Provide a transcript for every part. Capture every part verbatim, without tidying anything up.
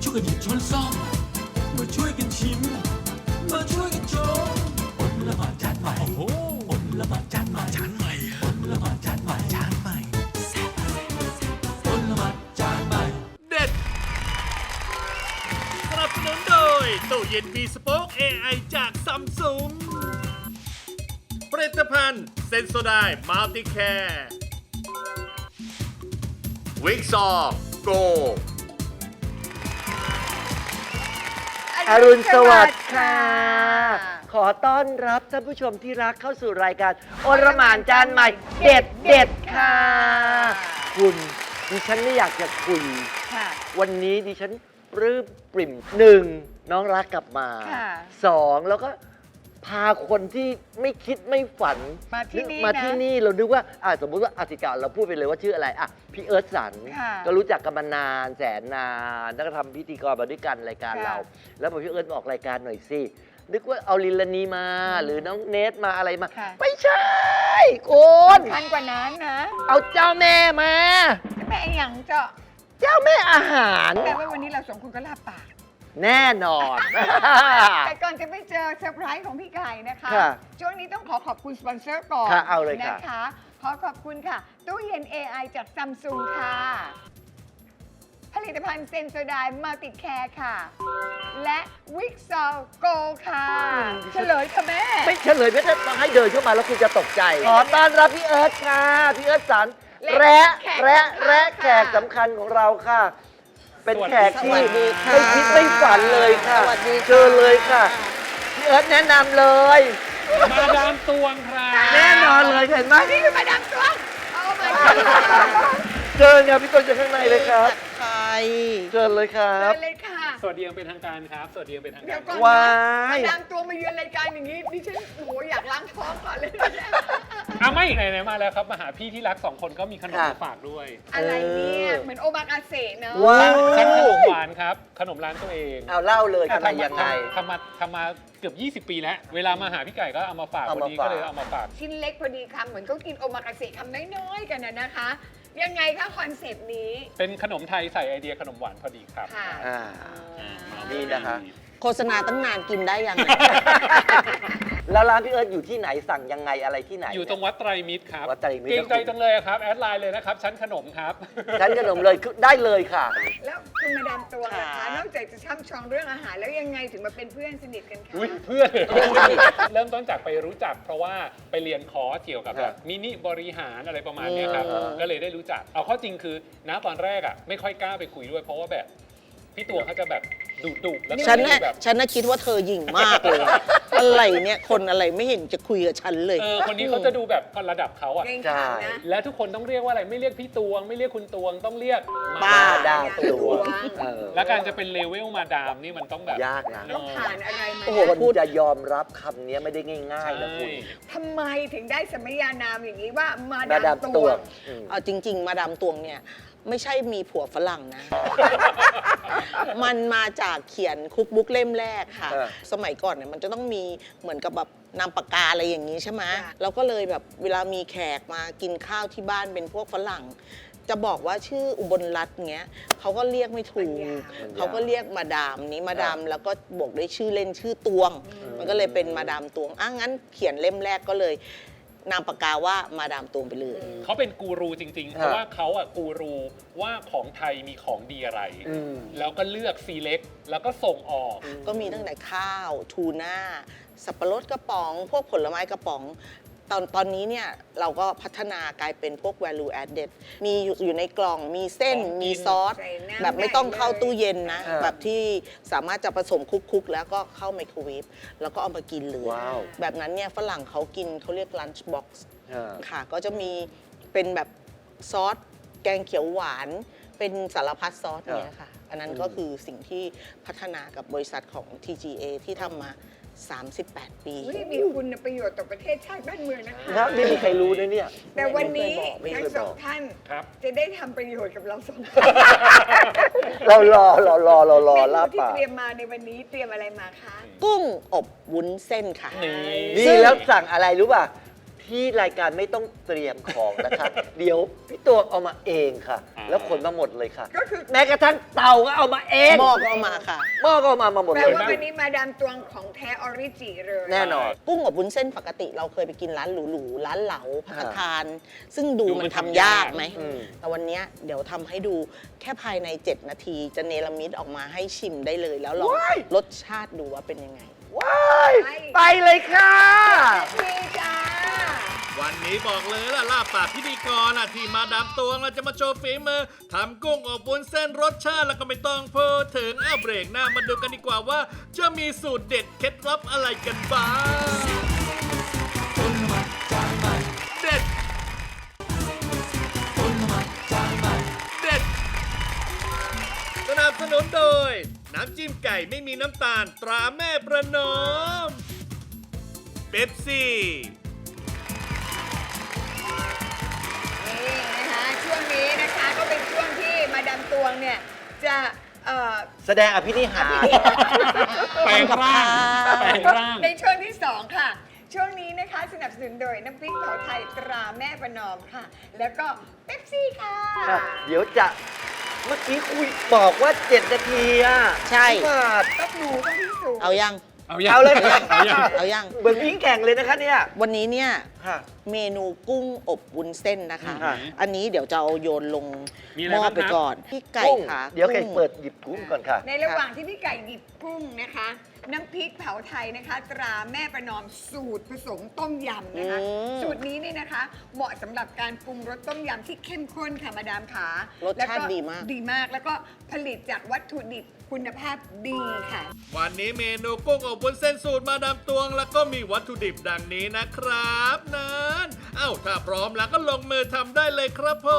วยกันหยิบช้อนซ่อมมาช่วยกันชิมมาช่วยกันชมอดละหมาดจานใหม่โอ้โหอดละหมาดจานใหม่จานใหม่อดละหมาดจานใหม่จานใหม่อดละหมาดจานใหม่เด็ดสนับสนุนโดยตู้เย็นมีสป็อค เอ ไอ จากซัมซุงผลิตภัณฑ์เซนโซไดมัลติแคร์วิกซอโกอรุณสวัสดิ์ค่ะ ขอต้อนรับท่านผู้ชมที่รักเข้าสู่รายการโอรหม่านจานใหม่ เด็ดเด็ดค่ะ คุณดิฉันไม่อยากจะคุยวันนี้ดิฉันปลื้มปริ่มหนึ่งน้องรักกลับมาสองแล้วก็พาคนที่ไม่คิดไม่ฝันมาที่นี่มาที่นี่เรานึกว่าอ่ะสมมุติว่าอาติกาเราพูดไปเลยว่าชื่ออะไรอ่ะพี่เอิร์ธสันก็รู้จักกันมานานแสนนานแล้วก็ทำพิธีกรมาด้วยกันรายการเราแล้วพอพี่เอิร์ธมาออกรายการหน่อยสินึกว่าเอาลิลานีมาหรือน้องเนทมาอะไรมาไม่ใช่คุณสำคัญกว่านั้นนะเอาเจ้าแม่มาแม่อย่างเจ้าเจ้าแม่อาหารแต่ว่าวันนี้เราสองคนก็ลาปากแน่นอนแต่ก่อนจะไปเจอเซอร์ไพรส์ของพี่ไก่นะคะช่วงนี้ต้องขอขอบคุณสปอนเซอร์ก่อนเอาเลยนะคะขอขอบคุณค่ะตู้เย็น เอ ไอ จากซัมซุงค่ะผลิตภัณฑ์เซนโซไดมัลติแคร์ค่ะและวิกซอลโกค่ะเฉลยค่ะแม่ไม่เฉลยไม่ต้องให้เดินเข้ามาแล้วคุณจะตกใจขอต้อนรับพี่เอิร์ธค่ะพี่เอิร์ธสันและและและแขกสำคัญของเราค่ะเป็นแขกที่ไม่คิดไม่ฝันเลยค่ะเชิญเลยค่ะพี่เอิร์ธแนะนำเลยมาดามตวงครับแน่นอนเลยเห็นไหมนี่คือมาดามตวงโอ้my god เชิญเนี่ยพี่ต้นจะข้างในเลยครับใครเชิญเลยครับเชิญเลยค่ะสวัสดียังเป็นทางการครับสวัสดียังเป็นทางการว้ายมาดามตวงมาเยือนรายการอย่างนี้ดิฉันโหอยากล้างท้องก่อนเลยอ่ะไม่ไหนๆมาแล้วครับมาหาพี่ที่รักสองคนก็มีขนมมาฝากด้วยอะไรเนี่ยเหมือนโอมากาเสะเนอะว้าวชั้นขนมหวานครับขนมร้านตัวเองเอาเล่าเลยอะไรยังไงทำมาทำมาเกือบยี่สิบปีแล้วเวลามาหาพี่ไก่ก็เอามาฝากวันนี้ก็เลยเอามาฝากชิ้นเล็กพอดีคำเหมือนเขากินโอมากาเสะคำน้อยๆกันนะคะยังไงคะคอนเซปต์นี้เป็นขนมไทยใส่ไอเดียขนมหวานพอดีครับค่ะนี่นะคะโฆษณาตั้งนานกินได้ยังแล้วร้านพี่เอิร์ธอยู่ที่ไหนสั่งยังไงอะไรที่ไหนอยู่ตรงวัดไตรมิตรครับวัดไตรมิตรเกรงใจจังเลยครับแอดไลน์เลยนะครับชั้นขนมครับชั้นขนมเลยได้เลยค่ะแล้วคุณมาดามตัวนะคะนอกจากจะช่ำชองเรื่องอาหารแล้วยังไงถึงมาเป็นเพื่อนสนิทกันคะเพื่อนเริ่มต้นจากไปรู้จักเพราะว่าไปเรียนคอร์สเกี่ยวกับแบบมินิบริหารอะไรประมาณนี้ครับก็เลยได้รู้จักเอาข้อจริงคือณตอนแรกอ่ะไม่ค่อยกล้าไปคุยด้วยเพราะว่าแบบพี่ตัวเขาจะแบบดุดุแล้วฉันน่ะฉันน่ะคิดว่าเธอหยิ่งมากเลยอะไรเนี่ยคนอะไรไม่เห็นจะคุยกับฉันเลยเออคนนี้เขาจะดูแบบระดับเขาอ่ะใช่และทุกคนต้องเรียกว่าอะไรไม่เรียกพี่ตวงไม่เรียกคุณตวงต้องเรียกมาดามตวงและการจะเป็นเลเวลมาดามนี่มันต้องแบบยากนะต้องผ่านอะไรมาโอ้โหคุณจะยอมรับคำนี้ไม่ได้ง่ายๆนะคุณทำไมถึงได้สมัยานามอย่างนี้ว่ามาดามตวงเอาจริงๆมาดามตวงเนี่ยไม่ใช่มีผัวฝรั่งนะ มันมาจากเขียนคุกบุ๊กเล่มแรกค่ะสมัยก่อนเนี่ยมันจะต้องมีเหมือนกับแบบนามปากกาอะไรอย่างนี้ใช่ไหมเราก็เลยแบบเวลามีแขกมากินข้าวที่บ้านเป็นพวกฝรั่งจะบอกว่าชื่ออุบลรัตน์เงี้ยเขาก็เรียกไม่ถูกเขาก็เรียกมาดามนี้มาดามแล้วก็บวกด้วยชื่อเล่นชื่อตวงมันก็เลยเป็นมาดามตวงอ่ะงั้นเขียนเล่มแรกก็เลยนามปากกาว่ามาดามตวงไปเลยเขาเป็นกูรูจริงๆเพราะว่าเขาอะกูรูว่าของไทยมีของดีอะไรแล้วก็เลือกซีเล็กแล้วก็ส่งออกก็มีตั้งแต่ข้าวทูน่าสับปะรดกระป๋องพวกผลไม้กระป๋องตอนตอนนี้เนี่ยเราก็พัฒนากลายเป็นพวก value added มีอยู่ในกล่องมีเส้นมีซอสแบบไม่ต้องเข้าตู้เย็นนะแบบที่สามารถจะผสมคุกๆแล้วก็เข้าไมโครเวฟแล้วก็เอามากินเลยแบบนั้นเนี่ยฝรั่งเขากินเขาเรียก lunch box ค่ะก็จะมีเป็นแบบซอสแกงเขียวหวานเป็นสารพัดซอสเนี่ยค่ะอันนั้นก็คือสิ่งที่พัฒนากับบริษัทของ ที จี เอ ที่ทำมาสามสิบแปด ปีมีคุณประโยชน์ต่อประเทศชาติบ้านเมืองนะคะครับไม่มีใครรู้นะเนี่ยแต่วันนี้ทั้งสองท่านจะได้ทำประโยชน์กับเราสองเรารอเรารอเรารอลาบที่เตรียมมาในวันนี้เตรียมอะไรมาคะกุ้งอบวุ้นเส้นค่ะนี่แล้วสั่งอะไรรู้ป่ะทที่รายการไม่ต้องเตรียมของนะคะ เดี๋ยวพี่ตัวเอามาเองค่ะอ่าแล้วขนมาหมดเลยค่ะก็คือแม้กระทั่งเตาก็เอามาเองหม้อก็เอามาค่ะหม้อก็เอามามาหมดแปลเลยว่าวันนี้มาดามตวงของแท้ออริจิเลยแน่นอนกุ้งอบวุ้นเส้นปกติเราเคยไปกินร้านหรูๆร้านเหลาพักทาน ซึ่งดูดูมัมันนทำทำยายาก กไหมอืมแต่วันเนี้ยเดี๋ยวทำให้ดูแค่ภายใน เจ็ด นาที จะเนรมิตออกมาให้ชิมได้เลย แล้วลองรสชาติดูว่าเป็นยังไงว้ายไปเลยค่ะนี่จ้าวันนี้บอกเลยล่ะลาบปากพิธีกรอ่ะที่มาดามตวงเราจะมาโชว์ฝีมือทำกุ้งอบวุ้นเส้นรสชาติแล้วก็ไม่ต้องพูดถึงอ้าวเบรกหน้ามาดูกันดีกว่าว่า จะมีสูตรเด็ดเคล็ดลับอะไรกันบ้างเด็ดเด็ดสนับสนุนโดย น้ำจิ้มไก่ไม่มีน้ำตาลตราแม่ประนอมเป๊ปซี่นี่นะคะช่วงนี้นะคะก็เป็นช่วงที่มาดามตวงเนี่ยจะเอ่อแสดงอภินิหารแปลงร่างแปลงร่างในช่วงที่สองค่ะ ช่วงนี้นะคะสนับสนุนโดยน้ำพริกเผาไทยตราแม่ประนอมค่ะ แล้วก็เป๊ปซี่ค่ะค่ะเดี๋ยวจะเมื่อกี้คุยบอกว่าเจ็ดนาทีอ่ะใช่พี่บาทต้องหนูต้องพิสูจน์เอายังเอายังเอาเลยค่ะเอายังเอายังเหมือนวิ่งแข่งเลยนะคะเนี่ยวันนี้เนี่ยค่ะเมนูกุ้งอบวุ้นเส้นนะคะอ่าอันนี้เดี๋ยวจะเอาโยนลงมีอะไรหม้อบ้างไปครับก่อนพี่ไก่กุ้งค่ะเดี๋ยวไก่กุ้งเปิดหยิบกุ้งก่อนค่ะในระหว่างที่พี่ไก่หยิบกุ้งนะคะ น้ำพริกเผาไทยนะคะ ตราแม่ประนอมสูตรผสมต้มยำนะคะอืมสูตรนี้เนี่ยนะคะ เหมาะสำหรับการปรุงรสต้มยำที่เข้มข้นค่ะมาดามขารสชาติดีมากดีมากแล้วก็ผลิตจากวัตถุดิบคุณภาพดีค่ะวันนี้เมนูกุ้งอบวุ้นเส้นสูตรมาดามตวง แล้วก็มีวัตถุดิบดังนี้นะครับนั้นเอ้าถ้าพร้อมแล้วก็ลงมือทำได้เลยครับผม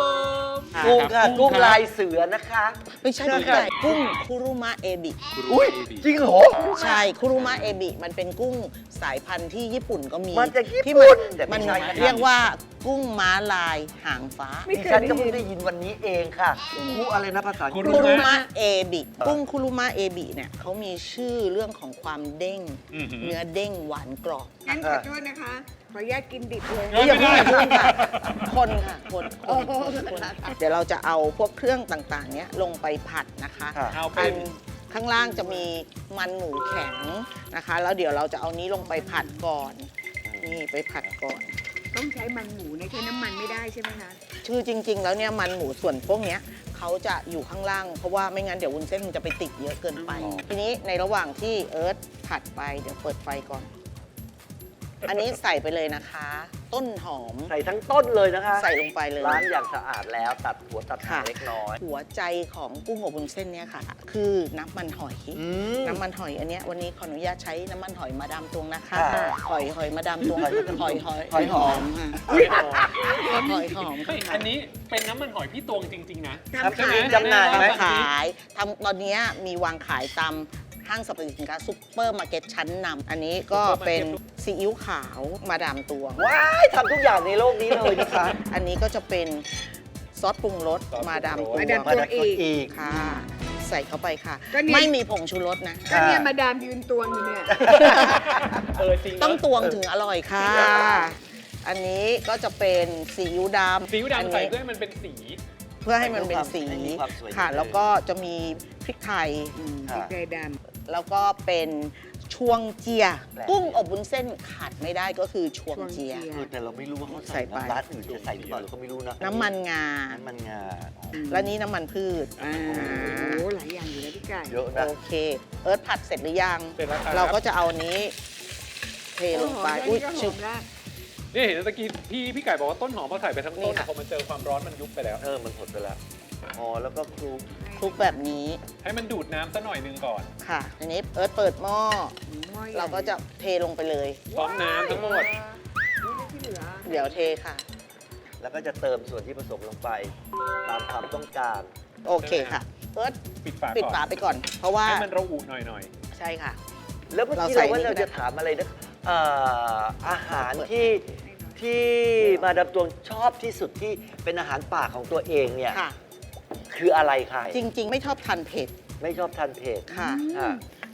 กุ้งค่ะครับกุ้งครับลายเสือนะคะไม่ใช่พี่ค่ะไก่กุ้งคุรุมะเอบิอุ้ยจริงเหรอใช่คุรุมะเอบิมันเป็นกุ้งสายพันธุ์ที่ญี่ปุ่นก็มีมาจากญี่ที่ปุ่นมันแต่ไม่มันใช่นะครับเรียกว่ากุ้งม้าลายหางฟ้าไม่ดิเคยฉันได้ก็ยิเพิ่งนได้ยินวันนี้เองค่ะกุ้งอะไรนะภาษาอังกฤษคุคุรุรุมะมะเอบิกุ้งคุรุมะเอบิเนี่ยเขามีชื่อเรื่องของความเด้งอือหือเนื้อเด้งหวานกรอบงั้นขอโทษนะคะ ขออนุญาตกินดิบเลยเอ้ยอย่าไม่เพิ่งได้อย่าเพิ่งค่ะ คนค่ะ คนคโอ้นโหคนเดี๋ยวเราจะเอาพวกเครื่องต่างๆ เนี้ยลงไปผัดนะคะค่ะเอาอัเป็นนข้างล่างจะมีมันหมูแข็งนะคะ แล้วเดี๋ยวเราจะเอานี้ลงไปผัดก่อน นี่ไปผัดก่อนต้องใช้มันหมูนะใช้น้ำมันไม่ได้ใช่ไหมคะชื่อจริง ๆ แล้วเนี่ยมันหมูส่วนพวกเนี้ยเขาจะอยู่ข้างล่าง เพราะว่าไม่งั้นเดี๋ยววุ้นเส้นมันจะไปติดเยอะเกินไป ทีนี้ในระหว่างที่เอิร์ธผัดไปเดี๋ยวเปิดไฟก่อน อันนี้ใส่ไปเลยนะคะ ต้นหอมใส่ทั้งต้นเลยนะคะใส่ลงไปเลยล้างอย่างสะอาดแล้วตัดหัวตัดหางค่ะเล็กน้อยหัวใจของกุ้งอบวุ้นเส้นเนี่ยค่ะ คือน้ำมันหอยอืมน้ำมันหอยอันเนี้ยวันนี้ขออนุญาตใช้น้ำมันหอยมาดามตวงนะคะค่ะหอยหอยมาดามตวงหอยหอยหอยหอยหอมค่ะเฮ้ยอ๋อหอยหอมเฮ้ยค่ะอันนี้เป็นน้ำมันหอยพี่ตวงจริง ๆ นะครับใช่ไหมจำหน่ายไหมขายทำตอนเนี้ยมีวางขายตามห้างสรรพสินค้าซุปเปอร์มาร์เก็ตชั้นนำอันนี้ก็เป็นซีอิ๊วขาวมาดามตวงว้ายทำทุกอย่างในโลกนี้เลยนะคะอันนี้ก็จะเป็นซอสปรุงรสซอสปรุงรสมาดามตวงมาดามมาดักคนอีกค่ะ ใส่เข้าไปค่ะก็เนี่ยไม่มีผงชูรสนะก็เนี่ยมาดามยืนตวงอยู่เนี่ยเออจริงต้องเนอะตวงถึงอร่อยค่ะ อันนี้ก็จะเป็นซีอิ๊วดำซีอิ๊วอันดำใส่นี้เพื่อให้มันเป็นสีเพื่อให้มันเป็นสีให้มีความสวยค่ะงามแล้วก็จะมีพริกไทยค่ะใจดแล้วก็เป็นช่วงเจียแปลกกุ้งอบวุ้นเส้นขาดไม่ได้ก็คือช่วงเจียเออแต่เราไม่รู้ว่าเขาใส่ใส่ไปน้ำร้านอื่นจะใส่หรือเปล่าเราก็ไม่รู้นะน้ำมันงาน้ำมันงาอ๋อและนี้น้ำมันพืชำอ่าโอ้หลายอย่างอยู่นะพี่ไก่เยอะนะโอเค เอิร์ธผัดเสร็จหรือยังเสร็จแล้วครับเราก็จะเอาอันนี้ เทลงไปโอ้อุ้ยโหชึบแค่นี้ก็หอมละนี่เห็นตะกี้พี่พี่ไก่บอกว่าต้นหอมพอใส่ไปทั้งนี่ต้นค่ะพอมันเจอความร้อนมันยุบไปแล้วเออมันหดไปแล้วอ๋อแล้วก็คลุกคลุกแบบนี้ให้มันดูดน้ำซะหน่อยหนึงก่อนค่ะทีนี้เอิร์ธเปิดหม้อหม้อใหญ่เราก็จะเทลงไปเลยพร้อมน้ำทั้งหมดนี่ที่เหลือเดี๋ยวเทค่ะแล้วก็จะเติมส่วนที่ผสมลงไป ตามความต้องการโอเคค่ะ เอิร์ธปิดฝาปิดก่อนฝาไปก่อน เพราะว่าให้มันระอุหน่อยใช่ค่ะแล้วเมื่อกี้เราใส่เราว่านี่เราก็ได้จะถามอะไรนะเอ่ออาหารที่ที่มาดามตวงชอบที่สุดที่เป็นอาหารป่าของตัวเองเนี่ยค่ะคืออะไรคะจริง ๆ ไม่ชอบทานเผ็ดไม่ชอบทานเผ็ดค่ะค่ะ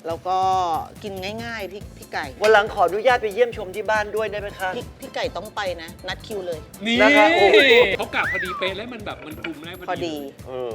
แล้วก็กินง่ายๆพี่พี่ไก่วันหลังขออนุญาตไปเยี่ยมชมที่บ้านด้วยได้ไหมคะพี่พี่ไก่ต้องไปนะ นัดคิวเลยนี่นะครับโอ้ยเขากะพอดีเป๊ะแล้วมันแบบมันคลุมได้พอดีเออ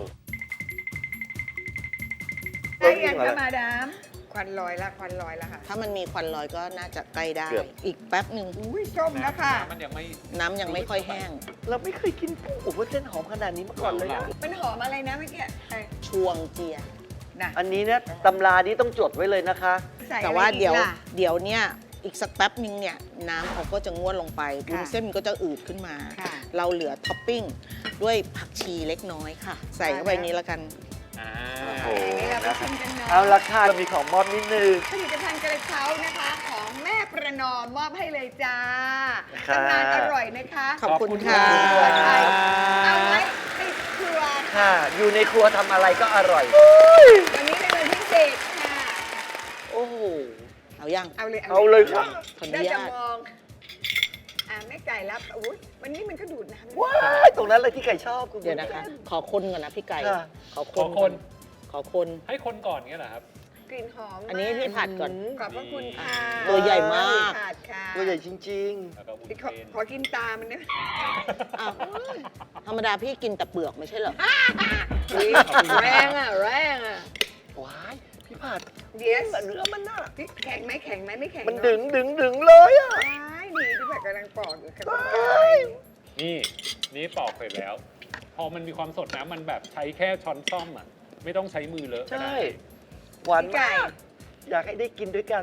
ได้ยังคะมาดามควันลอยละควันลอยละค่ะถ้ามันมีควันลอยก็น่าจะใกล้ได้เกือบอีกแป๊บหนึ่งอุ้ยส้มแล้วค่ะมันยังไม่น้ำยังไม่ค่อยแห้งเราไม่เคยกินกุ้งอบวุ้นเส้นหอมขนาดนี้มาก่อนเลยนะมันหอมอะไรนะเมื่อกี้ไอ้ชวงเจียน่ะอันนี้เนี่ยตำรานี้ต้องจดไว้เลยนะคะใส่อะไรแต่ว่าเดี๋ยวอีกล่ะเดี๋ยวเนี่ยอีกสักแป๊บนึงเนี่ยน้ำเขาก็จะงวดลงไปวุ้นค่ะเส้นมันก็จะอืดขึ้นมาค่ะเราเหลือท็อปปิ้งด้วยผักชีเล็กน้อยค่ะ ใส่เข้าไปนี้แล้วกันอ่าโอ้โหอันนี้เราไปชิมกันเนาะเอาราคาเรามีของมอบนิดนึงผลิตภัณฑ์กระเช้านะคะของแม่ประนอมมอบให้เลยจ้าค่ะทำงานอร่อยนะคะขอบคุณค่ะครัวไทยเอาไว้ติดครัวค่ะ อยู่ในครัวทำอะไรก็อร่อยวันนี้เป็นวันพิเศษค่ะโอ้โหเอายังเอาเลยเอาเลยค่ะขออนุได้ญาจะตมองอ่าแม่ไก่รับอุ้ยวันนี้มันก็ดูดน้ำว้ายตรงนั้นเลยที่ไก่ชอบคุณเดี๋ยวนะคะ ขอคนก่อนนะพี่ไก่ค่ะขอคขอน คนขอคนให้คนก่อนเงี้ยเหรอครับกลิ่นหอมอันนี้พี่ผัดก่อนขอบพระคุณค่ะตัวใหญ่มากผัดค่ะตัวใหญ่จริงแล้วก็วุ้นขอเส้นขอกินตามันนะอ้าวธรรมดาพี่กินแต่เปลือกไม่ใช่เหรออุ๊ยแรงอ่ะแรงอ่ะๆ ว้าย พี่ผัดเดี๋ยวเนื้อมันน่ะพี่แข็งไหมแข็งไหมไม่แข็งมันเอะดึงดึงดึงเลยอ่ะว้ายดีพี่ผัดกำลังปอกอยู่ค่ะนี่นี่ปอกเสร็จแล้ว พอมันมีความสดนะมันแบบใช้แค่ช้อนซ่อมอ่ะไม่ต้องใช้มือเลอะก็ใช่ได้หวานพี่ไก่มาก อยากให้ได้กินด้วยกัน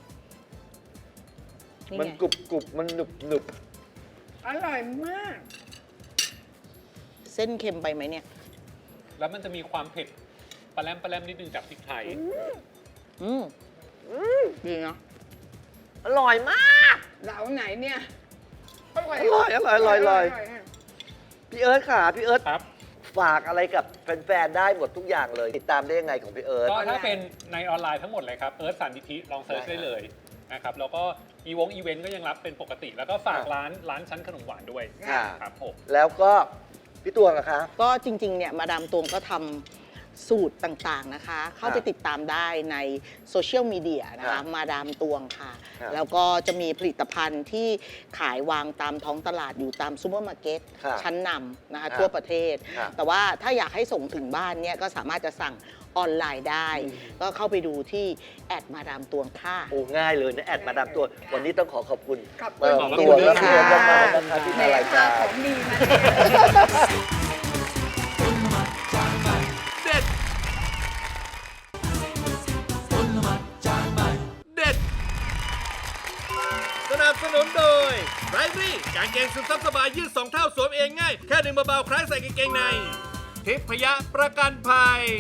นี่มันไงกรุบกรุบมันหนึบหนึบอร่อยมากเส้นเค็มไปไหมเนี่ยแล้วมันจะมีความเผ็ดปลาแรมปลาแรมนิดนึงจากพริกไทยอืมดีเนาะอร่อยมากเหลาไหนเนี่ยอร่อยอร่อยอร่อยอร่อยอร่อยร่พี่เอิร์ธค่ะ พี่เอิร์ธครับฝากอะไรกับแฟนๆ ได้หมดทุกอย่างเลย ติดตามได้ยังไงของพี่เอิร์ธก็ถ้าเป็นในออนไลน์ทั้งหมดเลยครับเอิร์ธสันติธิลองเซิร์ชได้ได้เลยนะครับแล้วก็อีวงอีเวนต์ก็ยังรับเป็นปกติ แล้วก็ฝากค่ะร้านร้านชั้นขนมหวานด้วยค่ะครับผมแล้วก็พี่ตวงอะคะก็จริงๆ เนี่ยมาดามตวงก็ทำสูตรต่างๆนะคะ เข้าไปติดตามได้ในโซเชียลมีเดียนะครัคะบมาดามตวงค่ะครับแล้วก็จะมีผลิตภัณฑ์ที่ขายวางตามท้องตลาดอยู่ตามซูเปอร์มาร์เก็ตครับชั้นนำนะครัคะบทั่วประเทศครับแต่ว่าถ้าอยากให้ส่งถึงบ้านเนี่ยก็สามารถจะสั่งออนไลน์ได้ ก็เข้าไปดูที่แอดมาดามตวงค่ะโอ้ง่ายเลยนะแอดมาดามตัว วันนี้ต้องขอขอบคุณขอบมาคุณดามขอบตัคุวณและค่ะพี่เอิร์ธมากๆนะคะที่แหมารายพาการของดีมาเลยเด็ด เด็ด สนับสนุนโดยไรรี่กางเกงซึมซับสบายยืดสองเท่าสวมเองง่าย แค่ดึงเบาๆคล้ายใส่กางเกงใน ทิพยะประกันภัย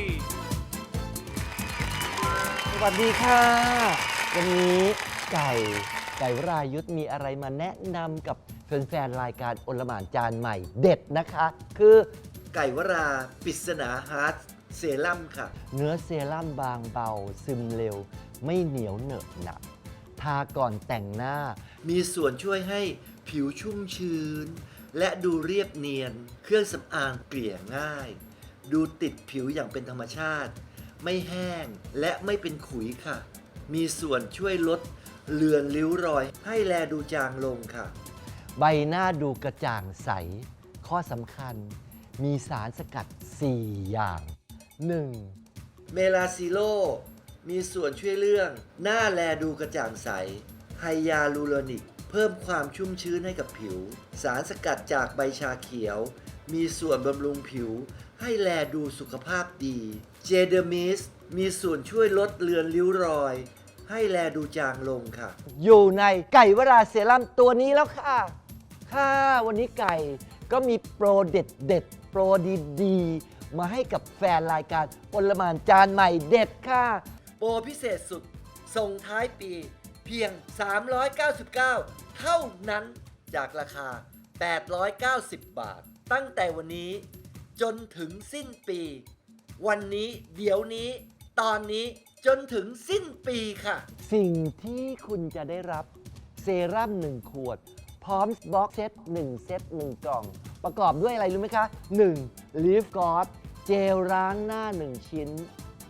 สวัสดีค่ะ วันนี้ไก่ไก่วรายุทธมีอะไรมาแนะนำกับแฟนๆรายการโอลหม่านจานใหม่เด็ดนะคะ คือไก่วราปริศนาฮาร์ดเซรั่มค่ะเนื้อเซรั่มบางเบา ซึมเร็ว ไม่เหนียวเหนอะหนักทาก่อนแต่งหน้ามีส่วนช่วยให้ผิวชุ่มชื้น และดูเรียบเนียน เครื่องสำอางเกลี่ยง่าย ดูติดผิวอย่างเป็นธรรมชาติ ไม่แห้งและไม่เป็นขุยค่ะ มีส่วนช่วยลดเลือนริ้วรอย ให้แลดูจางลงค่ะใบหน้าดูกระจ่างใส ข้อสำคัญ มีสารสกัด สี่ อย่าง หนึ่งเมลาซิโล มีส่วนช่วยเรื่องหน้าแลดูกระจ่างใส ไฮยาลูโรนิก เพิ่มความชุ่มชื้นให้กับผิว สารสกัดจากใบชาเขียว มีส่วนบำรุงผิว ให้แลดูสุขภาพดี เจเดอร์มิส มีส่วนช่วยลดเลือนริ้วรอย ให้แลดูจางลงค่ะอยู่ในไก่วราเซรั่มตัวนี้แล้วค่ะ ค่ะ วันนี้ไก่ก็มีโปรเด็ดเด็ดๆโปรดีๆ มาให้กับแฟนรายการโอลหม่านจานใหม่เด็ดค่ะโปรพิเศษสุด ส่งท้ายปี เพียง สามร้อยเก้าสิบเก้า เท่านั้นจากราคา แปดร้อยเก้าสิบ บาท ตั้งแต่วันนี้จนถึงสิ้นปี วันนี้เดี๋ยวนี้ ตอนนี้จนถึงสิ้นปีค่ะสิ่งที่คุณจะได้รับเซรั่มหนึ่งขวด พร้อมบล็อกเซตหนึ่งเซตหนึ่งกล่อง ประกอบด้วยอะไรรู้ไหมคะ หนึ่ง Leaf g o d เจลล้างหน้า หนึ่ง ชิ้น ช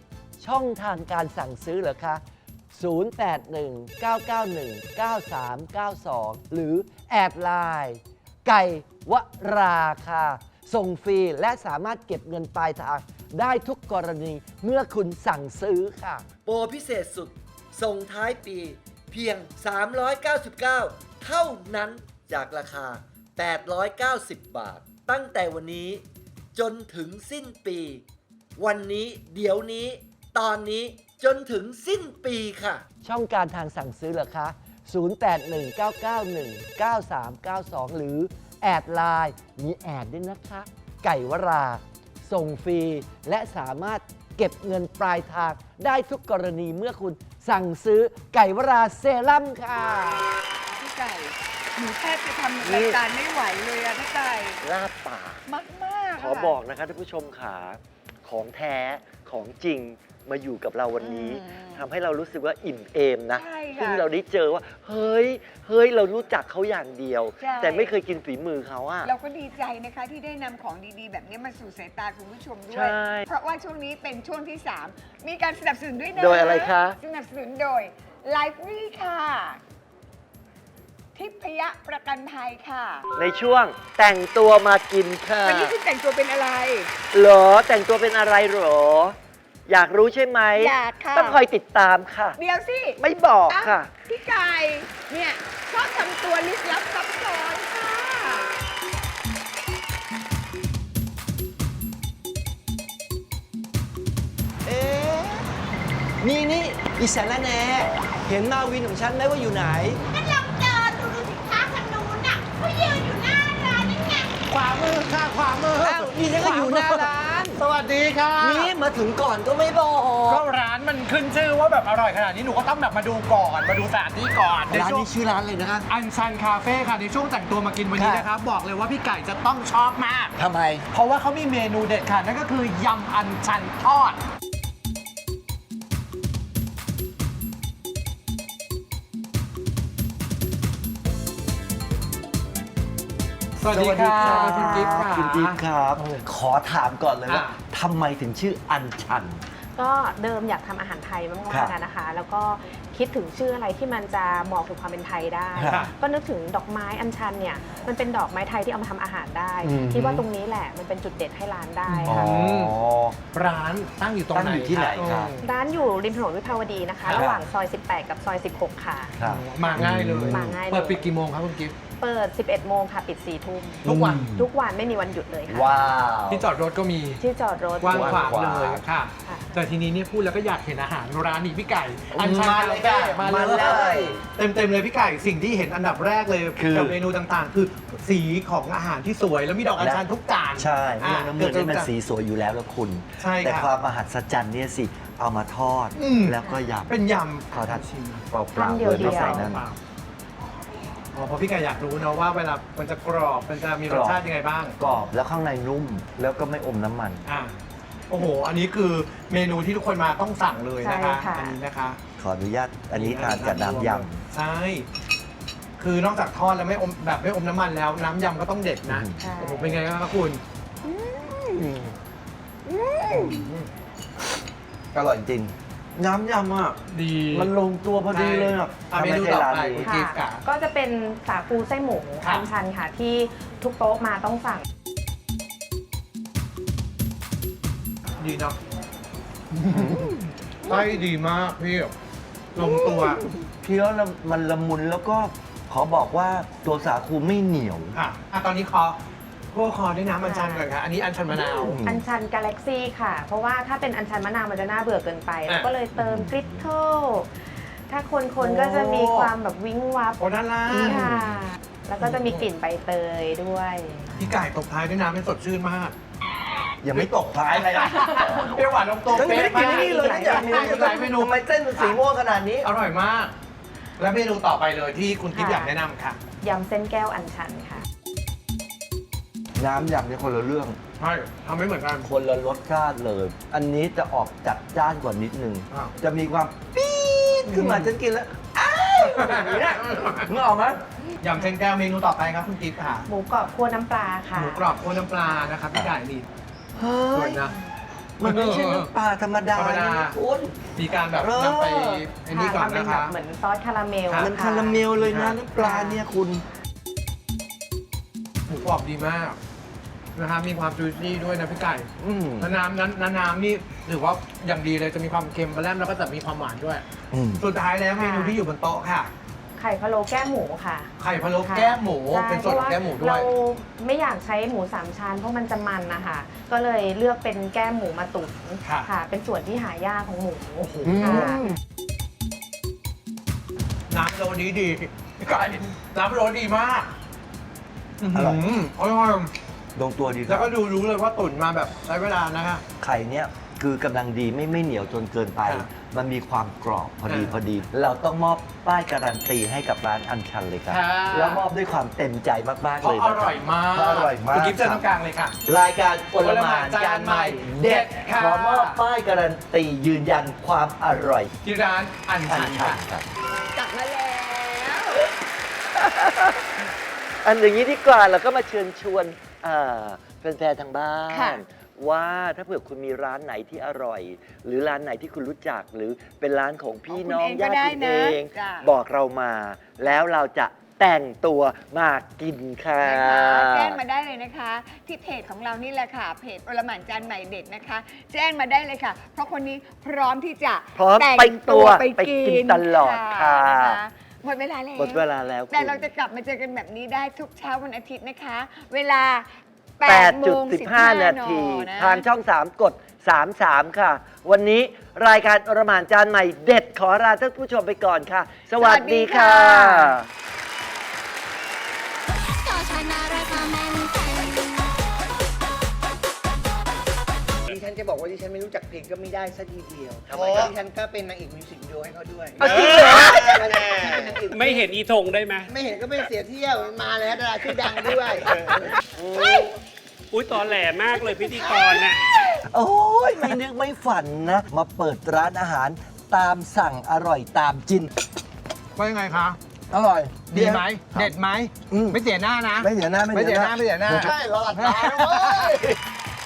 ช่องทางการสั่งซื้อเหรอคะ ศูนย์ แปด หนึ่ง เก้า เก้า หนึ่ง เก้า สาม เก้า สอง หรือแอดไลน์ไก่วราค่ะ ส่งฟรีและสามารถเก็บเงินปลายทางได้ทุกกรณีเมื่อคุณสั่งซื้อค่ะ โปรพิเศษสุด ส่งท้ายปีเพียง สามร้อยเก้าสิบเก้า เท่านั้นจากราคา แปดร้อยเก้าสิบ บาท ตั้งแต่วันนี้จนถึงสิ้นปี วันนี้เดี๋ยวนี้ ตอนนี้จนถึงสิ้นปีค่ะ ช่องการทางสั่งซื้อเหรอคะ ศูนย์ แปด หนึ่ง เก้า เก้า หนึ่ง เก้า สาม เก้า สอง หรือแอดไลน์มีแอดด้วยนะคะ ไก่วรา ส่งฟรี และสามารถเก็บเงินปลายทางได้ทุกกรณีเมื่อคุณสั่งซื้อไก่วราเซรั่มค่ะพี่ไก่หนูแทบจะทำรายการไม่ไหวเลยอะพี่ไก่ลาบปากมากมากๆขอบอกนะคะท่านผู้ชมขาของแท้ของจริงมาอยู่กับเราวันนี้ทำให้เรารู้สึกว่าอิ่มเอมนะใช่ซึ่งค่ะเราได้เจอว่า เฮ้ย เฮ้ย เรารู้จักเขาอย่างเดียวใช่แต่ไม่เคยกินฝีมือเขาอะเราก็ดีใจนะคะที่ได้นำของดีๆ แบบนี้มาสู่สายตาคุณผู้ชมด้วใช่ย เพราะว่าช่วงนี้เป็นช่วงที่ สาม มีการสนับสนุนด้วยนะโดยอะไรคะสนับสนุนโดย Lively ค่ะ ทิพยประกันภัยค่ะในช่วงแต่งตัวมากินค่ะวันนี้คุณแต่งตัวเป็นอะไรเหรอแต่งตัวเป็นอะไรเหรอ อยากรู้ใช่ไหมอยากค่ะต้องคอยติดตามค่ะเดี๋ยวสิไม่บอกเอ้าค่ะพี่ไก่ เนี่ยชอบทำตัวลึกลับซับซ้อนค่ะเอ๊ะนี่นี่อิสระแหน่เห็นมาวินของฉันไหมว่าอยู่ไหนก็ลองเดินดูดูสิคะทางนู้นน่ะเขายืนอยู่หน้าร้านนั่นไงขวามือค่ะขวามืออ้าวนี่ฉันก็อยู่หน้าร้านสวัสดีค่ะนี่มาถึงก่อนก็ไม่บอกก็ร้านมันขึ้นชื่อว่าแบบอร่อยขนาดนี้หนูก็ต้องแบบมาดูก่อนมาดูสถานที่ก่อนในร้านช่วงนี้ชื่อร้านเลยนะคะอันชันคาเฟ่ค่ะในช่วงแต่งตัวมากินวันนี้ค่ะนะครับบอกเลยว่าพี่ไก่จะต้องชอบมากทำไมเพราะว่าเขามีเมนูเด็ดค่ะนั่นก็คือยำอันชันทอด สวัสดีค่ะคุณกิฟต์ค่ะคุณกิฟต์ครับ ขอถามก่อนเลยว่าอ่ะทำไมถึงชื่ออันชันก็เดิมอยากทำอาหารไทยมาครักบๆอะนะคะ แล้วก็คิดถึงชื่ออะไรที่มันจะบอกถึงความเป็นไทยได้ครับก็นึกถึงดอกไม้อัญชันเนี่ย มันเป็นดอกไม้ไทยที่เอามาทำอาหารได้อืมคิดว่าตรงนี้แหละมันเป็นจุดเด่นให้ร้านได้อ๋อค่ะร้านตั้งอยู่ตรงตั้งไหนอยู่ที่ไหนครับอืมร้านอยู่ริมถนนวิภาวดีนะคะครับระหว่างซอย สิบแปด กับซอย สิบหก ค่ะครับมาง่ายเลยมาง่ายเลยเปิดปิดกี่โมงครับคุณกิฟต์เปิด สิบเอ็ด โมงค่ะ ปิด สี่ ทุ่มทุกวันทุกวันไม่มีวันหยุดเลยค่ะว้าวที่จอดรถก็มีที่จอดรถกว้างขวางกว้างขวางเลยค่ะค่ะแต่ทีนี้เนี่ยพูดแล้วก็อยากเห็นอาหารร้านนี้พี่ไก่ อันชันมาเลยคาค่ะเฟ่มามาเลเลย ยเต็มๆเลยพี่ไก่สิ่งที่เห็นอันดับแรกเลยคือกับเมนูต่างๆ คือสีของอาหารที่สวยแล้วมีดอกอัญชันทุกจานใช่เมืองน้ำเมืองนี่มันกืบจะสีสวยอยู่แล้วแล้วคุณใช่ครับแต่ความมหัศจรรย์เนี่ยสิ เอามาทอดอืมแล้วก็ยำเป็นยขอทานำชิมเปล่าทานๆเดีโดยวยไม่ใส่เดียวนั่นเปล่าอ๋อเพราะพี่ไก่อยากรู้นะว่าเวลามันจะกรอบมันจะมีรสชาติยังไงบ้างกรอบแล้วข้างในนุ่ม แล้วก็ไม่อมน้ำมันอ่ะโอ้โห อันนี้คือเมนูที่ทุกคนมาต้องสั่งเลยนะคะใช่ค่ะอันี้นะคะขออนุญาตอันนี้ทานกับน้ำยใช่ คือนอกจากทอดแล้วไม่อมแบบไม่อมน้ำมันแล้วน้ำยำก็ต้องเด็ดนะใช่โอ้โหเป็นไงบ้างครับคุณำอร่อยจริง น้ำยำอ่ะดีมันลงตัวพอดีเลยอ่ะอ่ะทำเมไมนูใช่ต่อร้านไปนี้คุณกิฟต์ค่ะก็จะเป็นสาคูไส้หมูครับอัญชันค่ะ ที่ทุกโต๊ะมาต้องสั่งดีเนาะไส้ดีมากพี่ลงตัวเคี้ยวแล้วมันละมุนแล้วก็ขอบอกว่าตัวสาคูไม่เหนียวค่ะอ่ะตอนนี้คอพวกคอด้วยน้ำอัญชันก่อนค่ะอันนี้อัญชันมะนาวอืมอัญชันกาแล็กซี่ค่ะ เพราะว่าถ้าเป็นอัญชันมะนาวมันจะน่าเบื่อเกินไปอ่ะแล้วก็เลยเติมกริตเทิลถ้าคนคนๆก็จะมีความแบบวิ้งวับโอ้ด้านล่างค่ะ แล้วก็จะมีกลิ่นใบเตยด้วยพี่ไก่ตบท้ายด้วยน้ำให้สดชื่นมากยังไม่ตกท้ายเลยอ่ะเปรี้ยวหวานลงตัวฉันไม่ได้กินนี่เลยนะอยากมีหลายเมนูทำไมเส้นมันสีม่วงขนาดนี้อร่อยมาก และเมนูต่อไปเลยที่คุณกิ๊ฟค่ะอยากแนะนำค่ะยำเส้นแก้วอัญชันค่ะน้ำยำเนี่ยคนละเรื่องใช่ทำไม่เหมือนกันคนละรสชาติเลย อันนี้จะออกจัดจ้านกว่านิดนึงอ้าวจะมีความปี๊ดขึ้นมาฉันกินแล้วอ้าวอย่างนี้นะนึกออกไหมยำเส้นแก้วเมนูต่อไปครับคุณกิ๊ฟค่ะหมูกรอบคั่วน้ำปลาค่ะหมูกรอบโคน้ำปลานะครับพี่ไก่นี่เฮ้สวย ยนะมันไม่ใช่น้ำปลาธรรมดาธรรมดานะคุณมีการแบบนำไปไอันนี้ก่อนทำเป็นะนแบคะบเหมือนซอสคาราเมลครับมันค่ะคาราเมลเลยนะน้ำปลาเนี่ยคุณหมูกรอบดีมากนะครับมีความจูซี่ด้วยนะพี่ไก่อืมแล้วน้ำนั้นน้ำน้ำนี่ถือว่าอย่างดีเลยจะมีความเค็มมาแล้มแล้วก็จะมีความหวานด้วยอืมสุดท้ายแล้วเมนูที่อยู่บนโต๊ะค่ะไข่พะโล้แก้มหมูค่ะไข่พะโล้ค่ะแก้มหมูใช่เป็นส่วนของแก้มหมูด้วเรายไม่อยากใช้หมูสามชั้นเพราะมันจะมันนะคะ ก็เลยเลือกเป็นแก้มหมูมาตุ๋นค่ะค่ะ เป็นส่วนที่หายากของหมูโอ้โหค่ะน้ำโรดีดีพี่ไก่น้ำโรดีมากอร่อยมอร่อยลงตัวดีคแล้รัวบก็ดูรู้เลยว่าตุ๋นมาแบบใช้เวลานะคะไข่เนี่ยคือกำลังดีไม่ไม่เหนียวจนเกินไปครับมันมีความกรอบพอดีอ่าพอดี เราต้องมอบป้ายการันตีให้กับร้านอันชันเลยครับค่ะแล้วมอบด้วยความเต็มใจมากๆเพเลราะยอนะคบร่อยมากเพราะอร่อยมากคุณกิ๊ฟเจอคตรัรบงกลางเลยค่ะรายการโอลหม่านจานใหม่เด็ดค่ะขอมอบป้ายการันตียืนยันความอร่อยที่ร้านอันอัชันนชัค่ะนครับกลับมาแล้วอันอย่างนี้ดีกว่าเราก็มาเชิญชวนอ่าแฟนๆทางบ้าค่ะน ว่าถ้าเผื่อคุณมีร้านไหนที่อร่อย หรือร้านไหนที่คุณรู้จัก หรือเป็นร้านของพี่น้องญาติคุณเอง บอกเรามา แล้วเราจะแต่งตัวมากินค่ะนะคะแจ้งมาได้เลยนะคะ ที่เพจของเรานี่แหละค่ะ เพจโอลหม่านจานใหม่เด็ดนะคะ แจ้งมาได้เลยค่ะ เพราะคนนี้พร้อมที่จะพร้อมแต่งไปตัวไปไปกินตลอดค่ะนะคะหมดเวลาแล้วหมดเวลาแล้วแต่คุณเราจะกลับมาเจอกันแบบนี้ได้ทุกเช้าวันอาทิตย์นะคะ เวลาแปแปดดโมจุดงสิสิบบ ห้าห้านานาทีทีทางช่อง สาม กด สามสาม ค่ะ วันนี้รายการอรหม่านจานใหม่เด็ดขอลาท่านผู้ชมไปก่อนค่ะ สวัสดีค่ะก็ฉันน่ารักมาแมนแทนดิฉันจะบอกว่าดิฉันไม่รู้จักเพลงก็ไม่ได้สักทีเดียวทำไมครับดิฉันก็เป็นนางเอกมิวสิกวิดีโอให้เขาด้วยเอาจริงเหรอไม่เห็นอีธงได้ไหมไม่เห็นก็ไม่เสียเที่ยวมันมาแล้วดาราชื่อดังด้วยอุ้ยตอนแหลมากเลยพิธีกรน่ะโอ้ยไม่นึกไม่ฝันนะ มาเปิดร้านอาหารตามสั่งอร่อยตามจินว่ายังไงคะอร่อยดีไหมครับเด็ดไหมอืมไม่เสียหน้านะไม่เสียหน้าไม่ไม่เสีเสียยหหน้าน้าไม่เสียหน้าใช่หลอดตาด้วย